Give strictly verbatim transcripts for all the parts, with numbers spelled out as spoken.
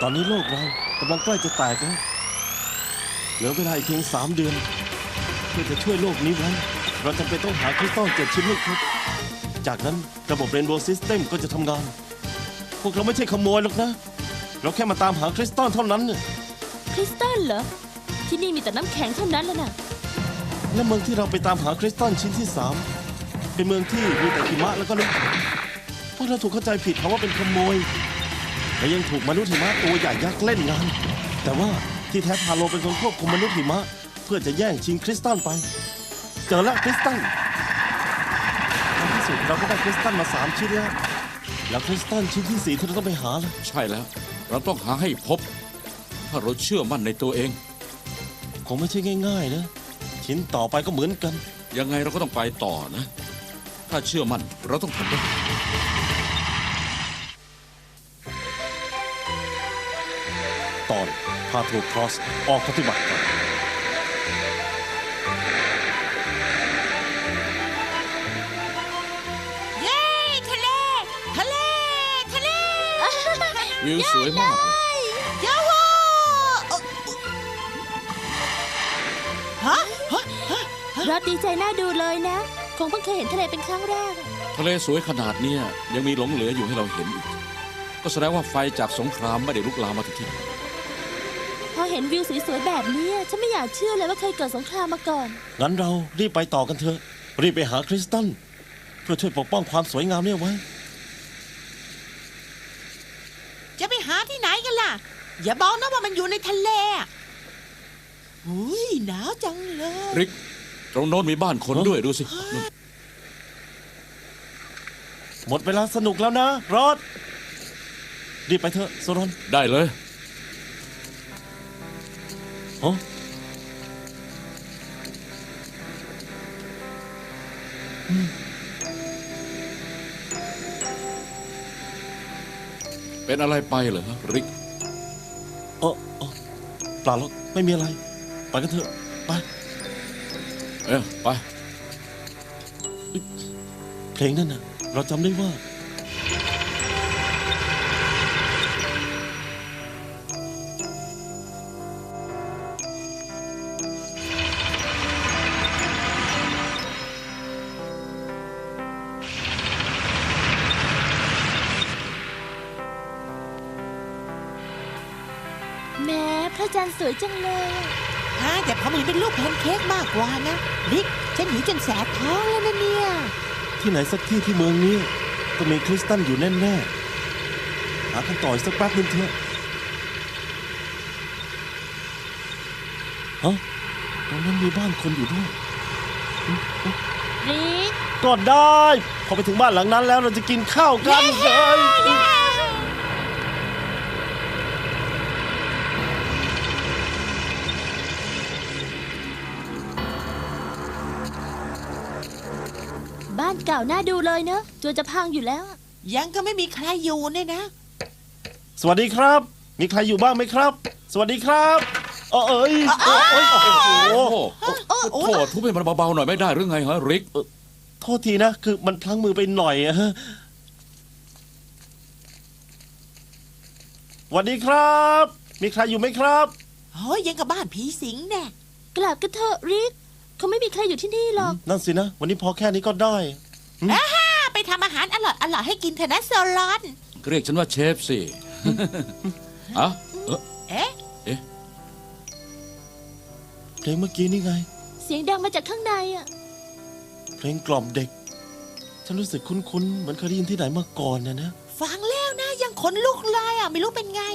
ตอนนี้โลกเรากำลังใกล้จะแตกแล้วเหลือเวลาอีกเพียงสามเดือนเพื่อจะช่วยโลกนี้ไว้เราจำเป็นต้องหาคริสตัลเจ็ดชิ้นให้ครบจากนั้นระบบเรนโบว์ซิสเต็มก็จะทำงาน พวกเราไม่ใช่ขโมยหรอกนะเราแค่มาตามหาคริสตัลเท่านั้นน่ะคริสตัลเหรอที่นี่มีแต่น้ำแข็งเท่านั้นแล้วน่ะและเมืองที่เราไปตามหาคริสตัลชิ้นที่สามเป็นเมืองที่มีแต่หิมะแล้วก็น้ำแข็งพวกเราถูกเข้าใจผิดเขาว่าเป็นขโมยและยังถูกมนุษย์หิมะตัวใหญ่ยักษ์เล่นงานแต่ว่าที่แท้พาโลเป็นคนควบคุมมนุษย์หิมะเพื่อจะแย่งชิงคริสตัลไปเจอแล้วคริสตัลในที่สุดเราก็ได้คริสตัลมาสามชิ้นแล้วแล้วคริสตัลชิ้นที่สี่ที่เราต้องไปหาล่ะใช่แล้ว เราต้องหาให้พบ ถ้าเราเชื่อมั่นในตัวเองคงไม่ใช่ง่ายๆนะชิ้นต่อไปก็เหมือนกันยังไงเราก็ต้องไปต่อนะ ถ้าเชื่อมั่นเราต้องทำได้ตอนพาโทครอสออกปฏิบัติการเย้ทะเล ทะเล ทะเลวิวสวยมากยาฮูฮะฮะฮะรอดดีใจน่าดูเลยนะ คงเพิ่งเคยเห็นทะเลเป็นครั้งแรกอะทะเลสวยขนาดเนี้ยยังมีหลงเหลืออยู่ให้เราเห็นอีก ก็แสดงว่าไฟจากสงครามไม่ได้ลุกลามมาถึงที่นี่พอเห็นวิวสวยๆแบบนี้ฉันไม่อยากเชื่อเลยว่าเคยเกิดสงครามมาก่อนงั้นเรารีบไปต่อกันเถอะรีบไปหาคริสตัลเพื่อช่วยปกป้องความสวยงามเนี่ยไว้จะไปหาที่ไหนกันล่ะ อย่าบอกนะว่ามันอยู่ในทะเลอะอุ้ยหนาวจังเลยริก ตรงโน้นมีบ้านคนด้วยดูสินู่นหมดเวลาสนุกแล้วนะรอดรีบไปเถอะโซรอนได้เลยฮะเป็นอะไรไปเหรอริกเออเออเปล่าหรอกไม่มีอะไร ไปกันเถอะไปเอ้ยไปเพลงนั่นน่ะเราจำได้ว่าแม้พระจันทร์สวยจังเลยอะฮะแต่ผมเห็นเป็นรูปแพนเค้กมากกว่านะลิกฉันหิวจนแสบท้องแล้วนะเนี่ยที่ไหนสักที่ที่เมืองนี้ต้องมีคริสตัลอยู่แน่ๆหากันต่ออีกสักแป๊บนึงเถอะฮะตรงนั้นมีบ้านคนอยู่ด้วยริกก็ได้ พอไปถึงบ้านหลังนั้นแล้วเราจะกินข้าวกันเลยบ้านเก่าน่าดูเลยเนอะจวนจะพังอยู่แล้วอะยังก็ไม่มีใครอยู่เนี่ยนะสวัสดีครับ มีใครอยู่บ้างไหมครับ สวัสดีครับเออเอ้ยเอ้ยเอ้ยโอ้โหโอ้โหโอ้โหทุบให้มันเบาๆหน่อยไม่ได้หรือไงฮะริกโทษทีนะ คือมันพลั้งมือไปหน่อยอะฮะสวัสดีครับ มีใครอยู่ไหมครับโอ้ยยังกับบ้านผีสิงแน่กลับกันเถอะริกเขาไม่มีใครอยู่ที่นี่หรอกนั่นสินะ วันนี้พอแค่นี้ก็ได้อ่าไปทำอาหารอร่อยอร่อยให้กินเถอะนะโซลอนเรียกฉันว่าเชฟสิ อะเอ๊ะเอ๊ะเอ๊ะเพลงเมื่อกี้นี่ไงเสียงดังมาจากข้างในอ่ะเพลงกล่อมเด็ก ฉันรู้สึกคุ้นๆ เหมือนเคยได้ยินที่ไหนมาก่อนนะนะฟังแล้วนะยังขนลุกเลยอ่ะไม่รู้เป็นไง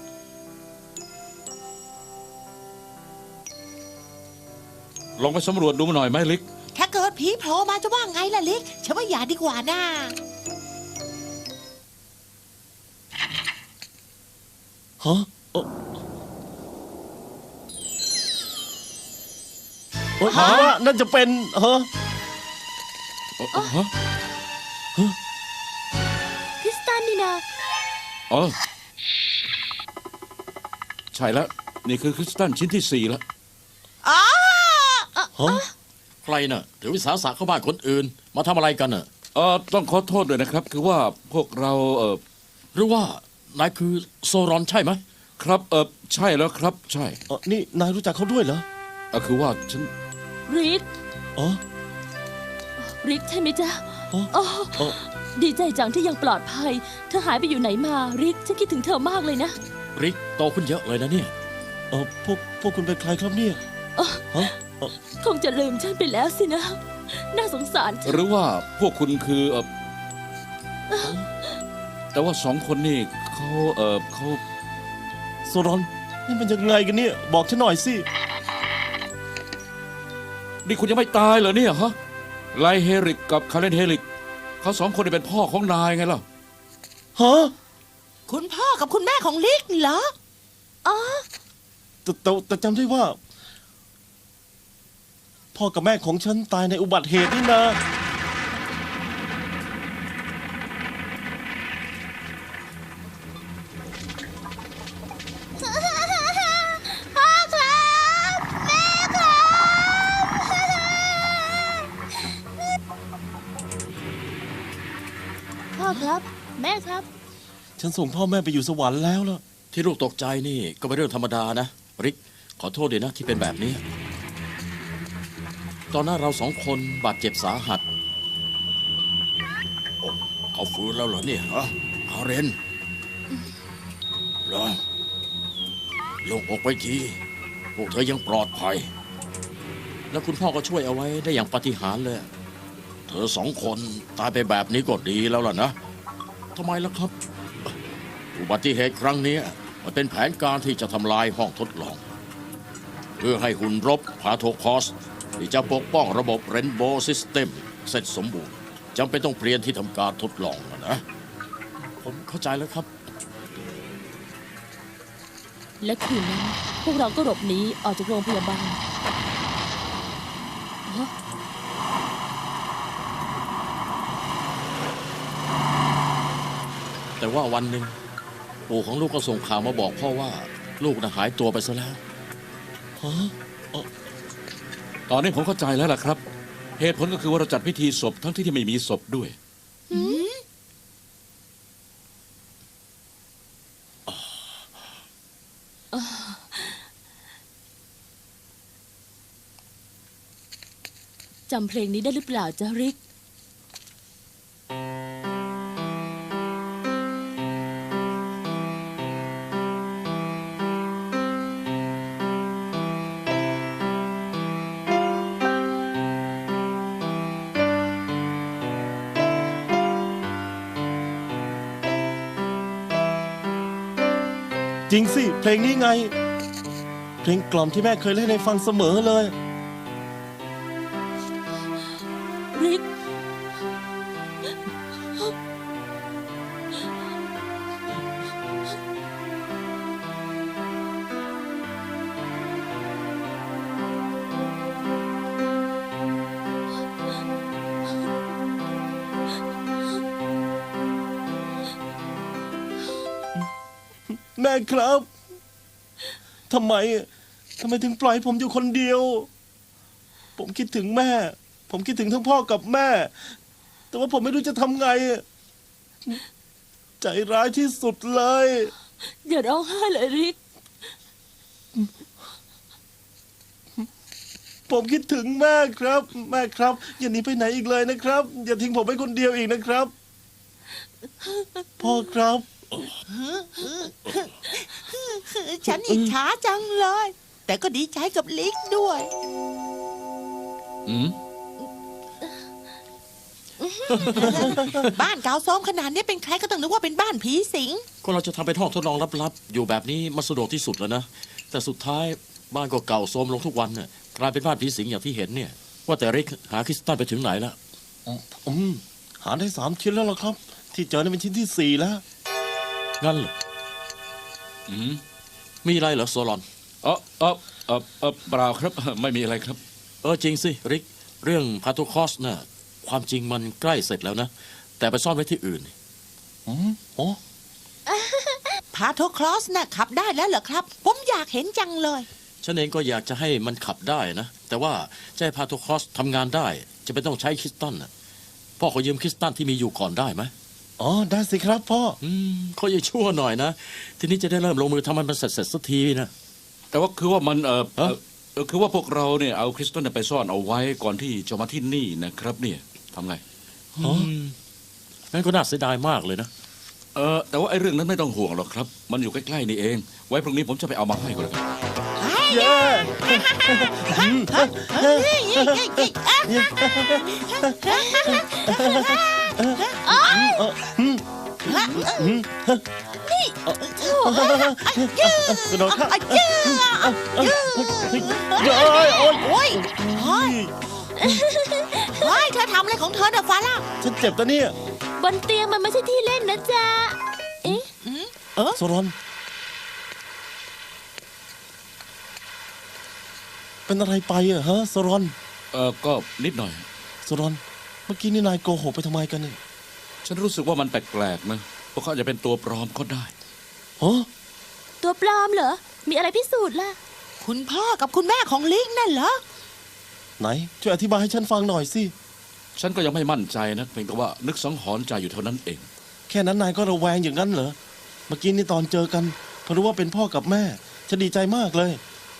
ลองไปสำรวจดูหน่อยไหมริกถ้าเกิดผีโผล่มาจะว่าไงล่ะลิกฉันว่าอย่าดีกว่านะฮะเออเฮ้ยผมว่านั่นจะเป็นฮะเอ่อฮะคริสตัลนี่นะอ๋อใช่แล้ว นี่คือคริสตัลชิ้นที่สี่แล้วอ๋อฮะใครน่ะถือวิสาสะเข้าบ้านคนอื่น มาทำอะไรกันน่ะเอ่อต้องขอโทษด้วยนะครับ คือว่าพวกเราเอ่อหรือว่านายคือโซรอนใช่ไหมครับเออใช่แล้วครับ ใช่เออนี่นายรู้จักเขาด้วยเหรอเออคือว่าฉันริกอ๋อริกใช่ไหมจ๊ะอ๋ออ๋ออ๋อดีใจจังที่ยังปลอดภัย เธอหายไปอยู่ไหนมาริกฉันคิดถึงเธอมากเลยนะริกโตขึ้นเยอะเลยนะเนี่ยเออพวกพวกคุณเป็นใครครับเนี่ยฮะเอ่อคงจะลืมฉันไปแล้วสินะ น่าสงสารจังหรือว่าพวกคุณคือเออแต่ว่าสองคนนี่เขาเออเขาโซรอนนี่มันยังไงกันเนี่ย บอกฉันหน่อยสินี่คุณยังไม่ตายเหรอเนี่ยฮะไลเฮริกกับคาเลนเฮริกเขาสองคนนี่เป็นพ่อของนายไงล่ะฮะคุณพ่อกับคุณแม่ของลิกเหรออ๋อแต่แต่แต่จำได้ว่า พ่อกับแม่ของฉันตายในอุบัติเหตุนี่นะพ่อครับแม่ครับพ่อครับ แม่ครับฉันส่งพ่อแม่ไปอยู่สวรรค์แล้วล่ะที่ลูกตกใจนี่ก็เป็นเรื่องธรรมดานะ ริก ขอโทษด้วยนะที่เป็นแบบนี้ ตอนนั้นเราสองคนบาดเจ็บสาหัสโอ้เขาฟื้นแล้วเหรอเนี่ยฮะอาเรนเหรอโลงอกไปทีพวกเธอยังปลอดภัย แล้วคุณพ่อก็ช่วยเอาไว้ได้อย่างปาฏิหาริย์เลย เธอสองคนตายไปแบบนี้ก็ดีแล้วล่ะนะทำไมล่ะครับ อุบัติเหตุครั้งนี้มันเป็นแผนการที่จะทำลายห้องทดลอง เพื่อให้หุ่นรบพาโทคอส ที่จะปกป้องระบบเรนโบว์ซิสเต็มเสร็จสมบูรณ์จำเป็นต้องเปลี่ยนที่ทำการทดลองนะนะ ผมเข้าใจแล้วครับและคืนนั้นพวกเราก็หลบหนีออกจากโรงพยาบาลฮะแต่ว่าวันหนึ่งปู่ของลูกก็ส่งข่าวมาบอกพ่อว่าลูกน่ะหายตัวไปซะแล้วฮะตอนนี้ผมเข้าใจแล้วล่ะครับ เหตุผลก็คือว่าเราจัดพิธีศพทั้งที่ที่ไม่มีศพด้วยจำเพลงนี้ได้หรือเปล่าจ๊ะริกจริงสิ เพลงนี้ไง เพลงกล่อมที่แม่เคยเล่นให้ฟังเสมอเลยริกแม่ครับ ทำไม ทำไมถึงปล่อยให้ผมอยู่คนเดียว ผมคิดถึงแม่ ผมคิดถึงทั้งพ่อกับแม่ แต่ว่าผมไม่รู้จะทำไง ใจร้ายที่สุดเลยอย่าร้องไห้เลยริกผมคิดถึงแม่ครับ แม่ครับ อย่าหนีไปไหนอีกเลยนะครับ อย่าทิ้งผมไว้คนเดียวอีกนะครับ พ่อครับฉันอิจฉาจังเลย แต่ก็ดีใจกับลิกด้วยอืมบ้านเก่าซ้อมขนาดนี้เป็นใครก็ต้องนึกว่าเป็นบ้านผีสิงก็เราจะทำเป็นห้องทดลองลับๆ อยู่แบบนี้มันสะดวกที่สุดแล้วนะ แต่สุดท้ายบ้านก็เก่าโทรมลงทุกวันน่ะกลายเป็นบ้านผีสิงอย่างที่เห็นเนี่ย ว่าแต่ริกหาคริสตัลไปถึงไหนแล้วอืมหาได้สามชิ้นแล้วล่ะครับ ที่เจอนี่เป็นชิ้นที่สี่แล้วงั้นเหรออืมมีอะไรเหรอโซลอนเออเออเออเออเปล่าครับ ไม่มีอะไรครับเออจริงสิริก เรื่องพาโทคอสน่ะความจริงมันใกล้เสร็จแล้วนะ แต่ไปซ่อนไว้ที่อื่นอืมโอ้พาโทคลอสน่ะขับได้แล้วเหรอครับ ผมอยากเห็นจังเลยฉันเองก็อยากจะให้มันขับได้นะ แต่ว่าจะให้พาโทคอสทำงานได้ จะเป็นต้องใช้คริสตัลน่ะพ่อขอยืมคริสตัลที่มีอยู่ก่อนได้ไหมออ๋อได้สิครับพ่ออืมเขาจะชั่วหน่อยนะ ทีนี้จะได้เริ่มลงมือทำมันเสร็จเสร็จสักทีนะแต่ว่าคือว่ามันเออฮะเอ่อเออคือว่าพวกเราเนี่ยเอาคริสตัลเนี่ยไปซ่อนเอาไว้ก่อนที่จะมาที่นี่นะครับเนี่ยทำไงอืมงั้นก็น่าเสียดายมากเลยนะเออแต่ว่าไอ้เรื่องนั้นไม่ต้องห่วงหรอกครับ มันอยู่ใกล้ๆนี่เอง ไว้พรุ่งนี้ผมจะไปเอามาให้ก็แล้วกันเย้เฮ้ยเฮ้ยเฮ้ยเฮ้ยอ่ะกระโดดข้าอ่ะเย้อ่ะเย้เย้โอ้ยโอ้ยโอ้ยเฮ้ยเฮ้ยเธอทำอะไรของเธอเนี่ยฟาร่าฉันเจ็บตะเนี่ยบนเตียงมันไม่ใช่ที่เล่นนะจ๊ะ เอ๊ะเออโซรอนเป็นอะไรไปอะฮะโซรอนเออก็นิดหน่อยโซรอนเมื่อกี้นี่นายโกหกไปทำไมกันเนี่ยฉันรู้สึกว่ามันแปลกๆนะพวกเขาอาจจะเป็นตัวปลอมก็ได้ฮะตัวปลอมเหรอ มีอะไรพิสูจน์ล่ะคุณพ่อกับคุณแม่ของลิงนั่นเหรอไหนช่วยอธิบายให้ฉันฟังหน่อยสิฉันก็ยังไม่มั่นใจนะเพียงแต่ว่านึกสังหรณ์ใจอยู่เท่านั้นเองแค่นั้นนายก็ระแวงอย่างนั้นเหรอ เมื่อกี้นี่ตอนเจอกันพอรู้ว่าเป็นพ่อกับแม่ ฉันดีใจมากเลย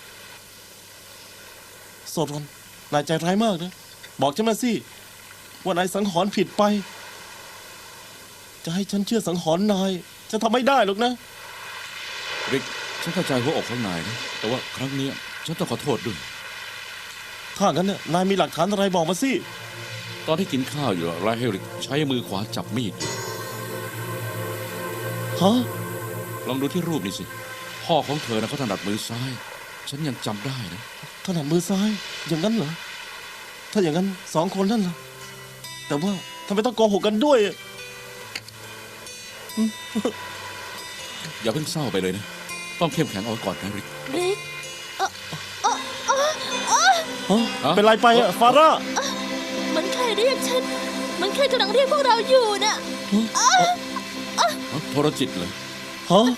โซรอนนายใจร้ายมากนะ บอกฉันมาสิ ว่านายสังหรณ์ผิดไป จะให้ฉันเชื่อสังหรณ์นาย จะทำไม่ได้หรอกนะริก ฉันเข้าใจหัวอกข้างในนะแต่ว่าครั้งเนี้ยฉันต้องขอโทษด้วยถ้างั้นน่ะนายมีหลักฐานอะไรบอกมาสิตอนที่กินข้าวอยู่ไรเฮริกใช้มือขวาจับมีดอยู่ฮะลองดูที่รูปนี่สิ พ่อของเธอนะเขาถนัดมือซ้าย ฉันยังจำได้นะถนัดมือซ้าย อย่างนั้นเหรอ ถ้าอย่างนั้นสองคนนั่นล่ะ แต่ว่าทำไมต้องโกหกกันด้วยอะอย่าเพิ่งเศร้าไปเลยนะ ต้องเข้มแข็งเอาไว้ก่อนนะริกริกฮะเป็นไรไปอะฟาร่ามันใครเรียกฉัน มันใครกำลังเรียกพวกเราอยู่น่ะฮะโทรจิตเลยฮะ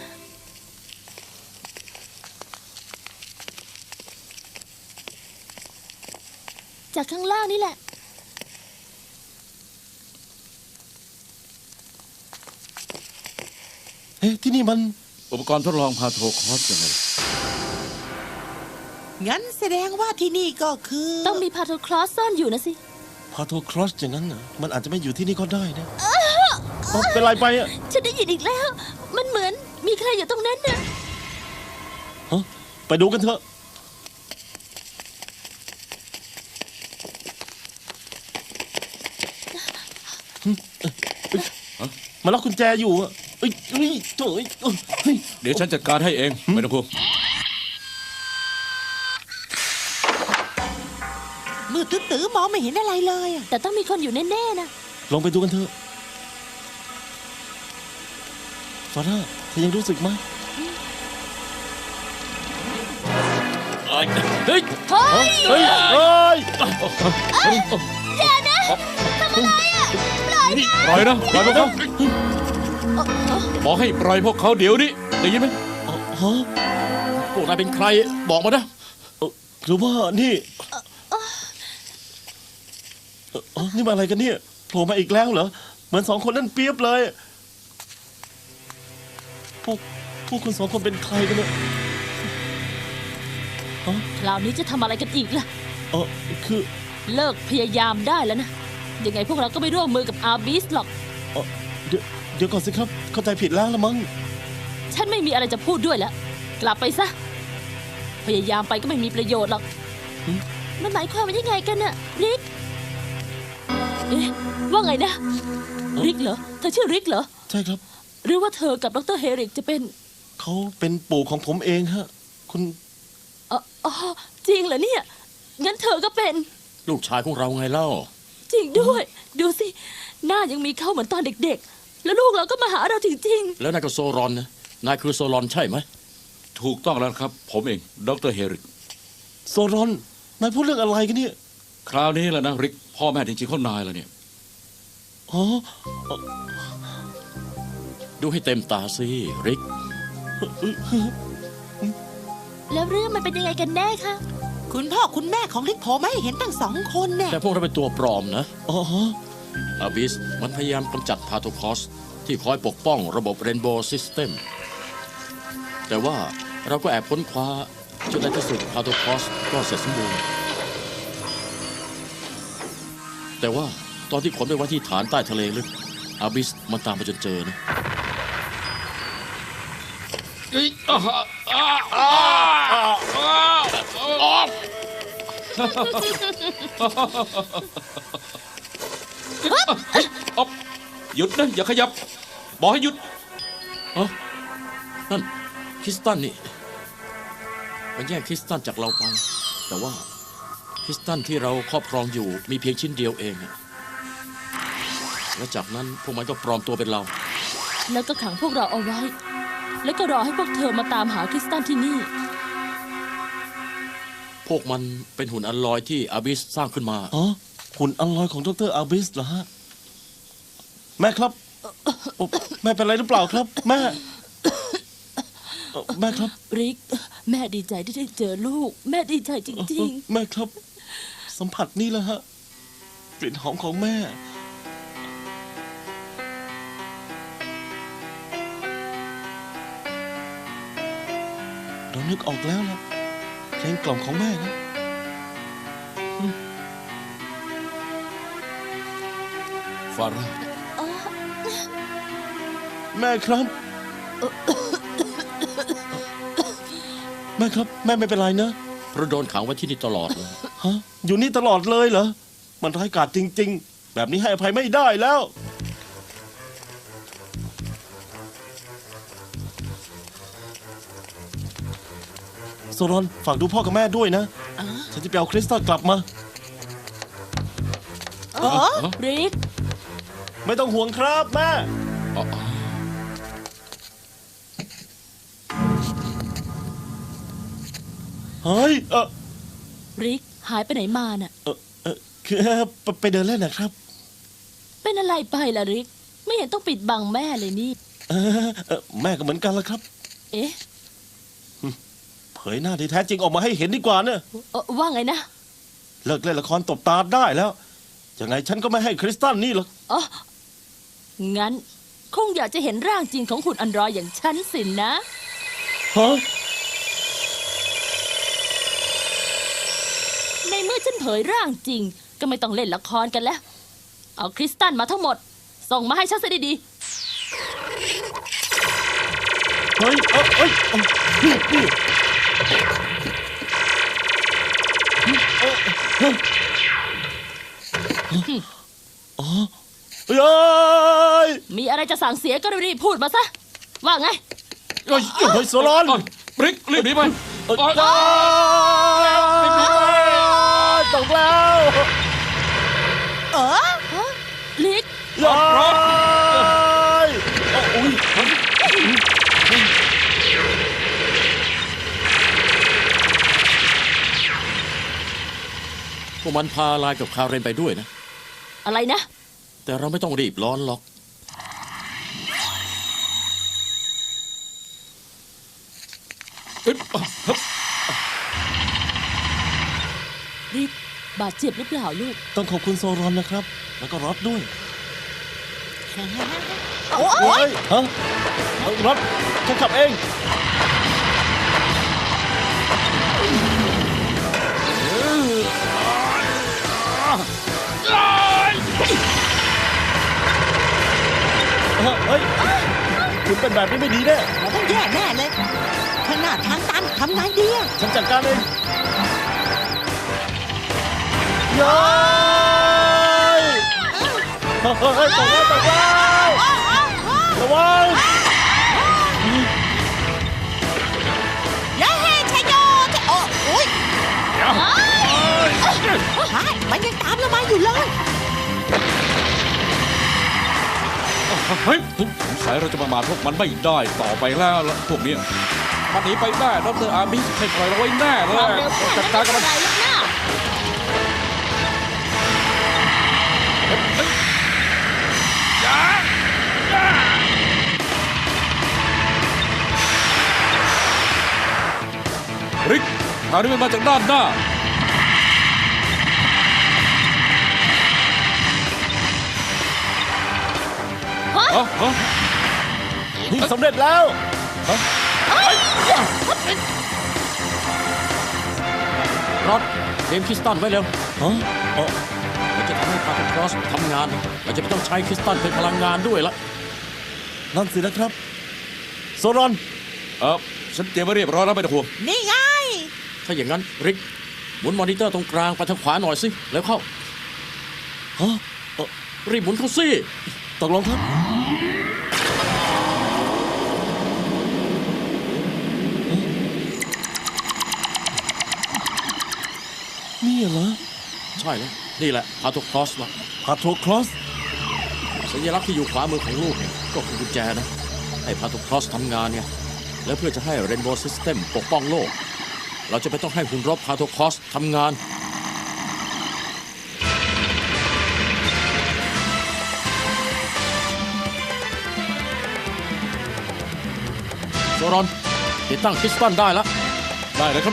จากข้างล่างนี่แหละเอ๊ะที่นี่มันอุปกรณ์ทดลองพาโทคอสยังไงงั้นแสดงว่าที่นี่ก็คือต้องมีพาโทคลอสซ่อนอยู่นะสิพาโทครอสอย่างนั้นเหรอมันอาจจะไม่อยู่ที่นี่ก็ได้นะเอ้าเป็นไรไปอะฉันได้ยินอีกแล้ว มันเหมือนมีใครอยู่ตรงนั้นน่ะฮะไปดูกันเถอะหึเอ้ยเอ้ยฮะมาล็อกกุญแจอยู่อะเอ้ยเอ้ยโถ่เอ้ยเอ้ยเดี๋ยวฉันจัดการให้เองไม่ต้องห่วงมืดตื้อๆมองไม่เห็นอะไรเลยอะแต่ต้องมีคนอยู่แน่ๆนะลองไปดูกันเถอะฟาร่าเธอยังรู้สึกไหมเฮ้ยเฮ้ยเฮ้ยเฮ้ยอย่านะทำอะไรอ่ะ ปล่อยนะปล่อยนะปล่อยพวกเขาบอกให้ปล่อยพวกเขาเดี๋ยวนี้ได้ยินไหมอ๋อฮะพวกนายเป็นใครบอกมานะเอ่อหรือว่านี่เอ่ออ๋อนี่มาอะไรกันเนี่ยโผล่มาอีกแล้วเหรอ เหมือนสองคนนั่นเปรียบเลย พวกพวกคุณสองคนเป็นใครกันเนี่ยคราวนี้จะทำอะไรกันอีกล่ะเออคือเลิกพยายามได้แล้วนะ ยังไงพวกเราก็ไม่ร่วมมือกับอาร์บิสหรอกเอ่อเดี๋ยวเดี๋ยวก่อนสิครับ เข้าใจผิดแล้วละมั้งฉันไม่มีอะไรจะพูดด้วยแล้ว กลับไปซะ พยายามไปก็ไม่มีประโยชน์หรอกหืมมันหมายความว่ายังไงกันน่ะ ริก เอ๊ะ ว่าไงนะ ริกเหรอ เธอชื่อริกเหรอใช่ครับหรือว่าเธอกับดรเฮริกจะเป็นเขาเป็นปู่ของผมเองฮะ คุณเอ๋ออ๋อจริงเหรอเนี่ย งั้นเธอก็เป็นลูกชายของเราไงเล่าจริงด้วย ดูสิ หน้ายังมีเข้าเหมือนตอนเด็กๆ แล้วลูกเราก็มาหาเราจริงแล้วนายก็โซรอนนะนายคือโซรอนใช่ไหมถูกต้องแล้วครับ ผมเองดรเฮริกโซรอน นายพูดเรื่องอะไรกันเนี่ยคราวนี้แหละนะริก พ่อแม่จริงๆเขานายแล้วเนี่ยอ๋อดูให้เต็มตาสิริกๆ แล้วเรื่องมันเป็นยังไงกันแน่คะคุณพ่อคุณแม่ของลิกโผล่มาให้เห็นตั้งสองคนเนี่ยแต่พวกเราเป็นตัวปลอมนะอ๋อฮะอาบิสมันพยายามกำจัดพาโทคอสที่คอยปกป้องระบบเรนโบว์ซิสเต็มแต่ว่าเราก็แอบค้นคว้าจนในที่สุดพาโทคอสก็เสร็จสมบูรณ์แต่ว่าตอนที่ขนไปไว้ที่ฐานใต้ทะเลลึกอาบิสมันตามไปจนเจอนะเฮ้ยอ่าอ่าอ่าอ่าอ่าอ๊อบหยุดนะอย่าขยับบอกให้หยุดอ๋อนั่นคริสตันนี่มันแย่งคริสตันจากเราไปแต่ว่าคริสตันที่เราครอบครองอยู่มีเพียงชิ้นเดียวเองอะและจากนั้นพวกมันก็ปลอมตัวเป็นเราแล้วก็ขังพวกเราเอาไว้ แล้วก็รอให้พวกเธอมาตามหาคริสตันที่นี่พวกมันเป็นหุ่นอันลอยที่อาบิสสร้างขึ้นมาอ๋อหุ่นอัลลอยของดรอาบิสเหรอฮะ แม่ครับโอ้แม่เป็นอะไรหรือเปล่าครับ แม่เอ่อแม่ครับริก แม่ดีใจที่ได้เจอลูก แม่ดีใจจริงแม่ครับ สัมผัสนี่แหละฮะกลิ่นหอมของแม่ เรานึกออกแล้วล่ะเพลงกล่อมของแม่นะฟาร่าแม่ครับ แม่ครับ แม่ไม่เป็นไรนะเพราะโดนขังไว้ที่นี่ตลอดเลยฮะอยู่นี่ตลอดเลยเหรอ มันร้ายกาจจริง ๆ แบบนี้ให้อภัยไม่ได้แล้ว โซรอนฝากดูพ่อกับแม่ด้วยนะ ฉันจะไปเอาคริสตัลกลับมาเออๆ ริกไม่ต้องห่วงครับแม่อ๋ออ๋อเฮ้ย เออริก หายไปไหนมาน่ะเออเออคือไปไปเดินเล่นนะครับเป็นอะไรไปล่ะริก ไม่เห็นต้องปิดบังแม่เลยนี่เออเออแม่ก็เหมือนกันละครับเอ๊ะเผยหน้าที่แท้จริงออกมาให้เห็นดีกว่าเนอะเอ่อว่าไงนะเลิกเล่นละครตบตาได้แล้ว ยังไงฉันก็ไม่ให้คริสตัลนี่หรอกอ๋อ งั้น คงอยากจะเห็นร่างจริงของหุ่นอันดรอยอย่างฉันสินนะฮะในเมื่อฉันเผยร่างจริง ก็ไม่ต้องเล่นละครกันแล้ว เอาคริสตัลมาทั้งหมด ส่งมาให้ฉันซะดีเฮ้ย เออเอ้ยเอ้ยนี่นี่เอ้ยเฮ้ยอ๋อเฮ้ยๆ มีอะไรจะสั่งเสียก็รีบๆพูดมาซะ ว่าไงเฮ้ยเฮ้ยโซลอนบริกรีบหนีไปเอ้ยอ๋ออ้าวตกแล้วเออฮะ ลิกย้ายโอ้ยพวกมันพาลายกับคาเรนไปด้วยนะอะไรนะแต่เราไม่ต้องรีบร้อนหรอกเอ้ยอ่ะฮึบริก บาดเจ็บหรือเปล่าลูกต้องขอบคุณโซรอนนะครับ แล้วก็รอดด้วยโอ้เฮ้ยยฮะเอ้ยรถฉันขับเอง เฮ้ย คุณเป็นแบบนี้ไม่ดีแน่เราต้องแย่แน่เลยขนาดทางตันทำไงดีอะฉันจัดการเองย้ายเฮ้ยตกแล้วตกแล้วระวังเย้ชัยโยจะโอ้โอ้ยเดี๋ยวใช่มันยังตามเรามาอยู่เลยเฮ้ยสงสัยเราจะประมาทพวกมันไม่ได้ต่อไปแล้วล่ะพวกเนี้ยมันหนีไปได้ดรอาบิสไม่ปล่อยเราไว้แน่เลความยเร็วแค่จันั้ดนการไม่กับเป็มัน นไรลูกนะอย่าอย่าริกทางนี้มันมาจากด้านหน้าอ๋ออ๋อนี่สำเร็จแล้วรอดเตรียมคริสตัลไว้เร็วฮะอ๋อเราจะทำให้พาร์ทครอสทำงาน เราจะไม่ต้องใช้คริสตัลเป็นพลังงานด้วยละนั่นสินะครับ โซรอนเออฉันเตรียมไว้เรียบร้อยแล้วไม่ต้องห่วงนี่ไงถ้าอย่างนั้นริกหมุนมอนิเตอร์ตรงกลางไปทางขวาหน่อยสิแล้วเข้าฮะเอ่อรีบหมุนเข้าสิตกลงครับ นี่เหรอใช่แล้วนี่แหละพาร์ทครอสละพาโทคลอสสัญลักษณ์ที่อยู่ขวามือของลูกเนี่ยก็คือกุญแจนะ ให้พาร์ทครอสทำงานไงแล้วเพื่อจะให้เรนโบว์ซิสเต็มปกป้องโลก เราจะไม่ต้องให้หุ่นรบพาร์ทครอสทำงาน โซรอนติดตั้งคริสตัลได้แล้วได้เลยครับ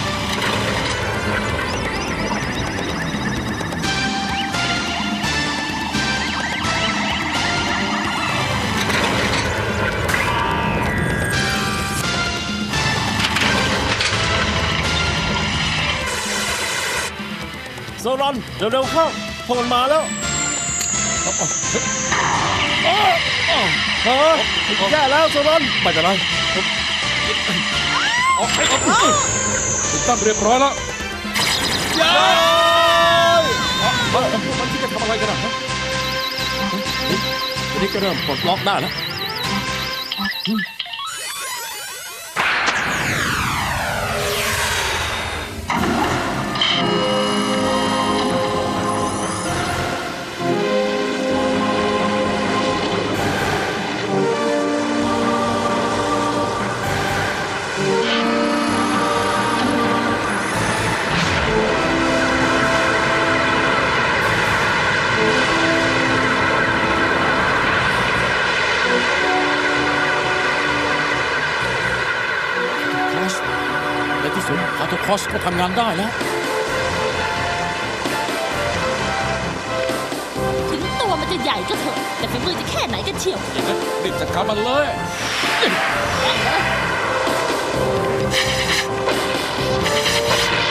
โซรอน เร็วๆเข้าพวกมันมาแล้วฮะแย่แล้วโซรอนไม่เป็นไรเอาไอ้เอาติดตั้งเรียบร้อยแล้วพวกมันที่จะทำอะไรกันนะฮะทีนี้ก็เริ่มปลดล็อกได้แล้ว ครอสในที่สุดพาร์ทครอสก็ทำงานได้แล้วถึงตัวมันจะใหญ่ก็เถอะ แต่ฝีมือจะแค่ไหนกันเชียวอย่างนั้นรีบจัดการมันเลยเ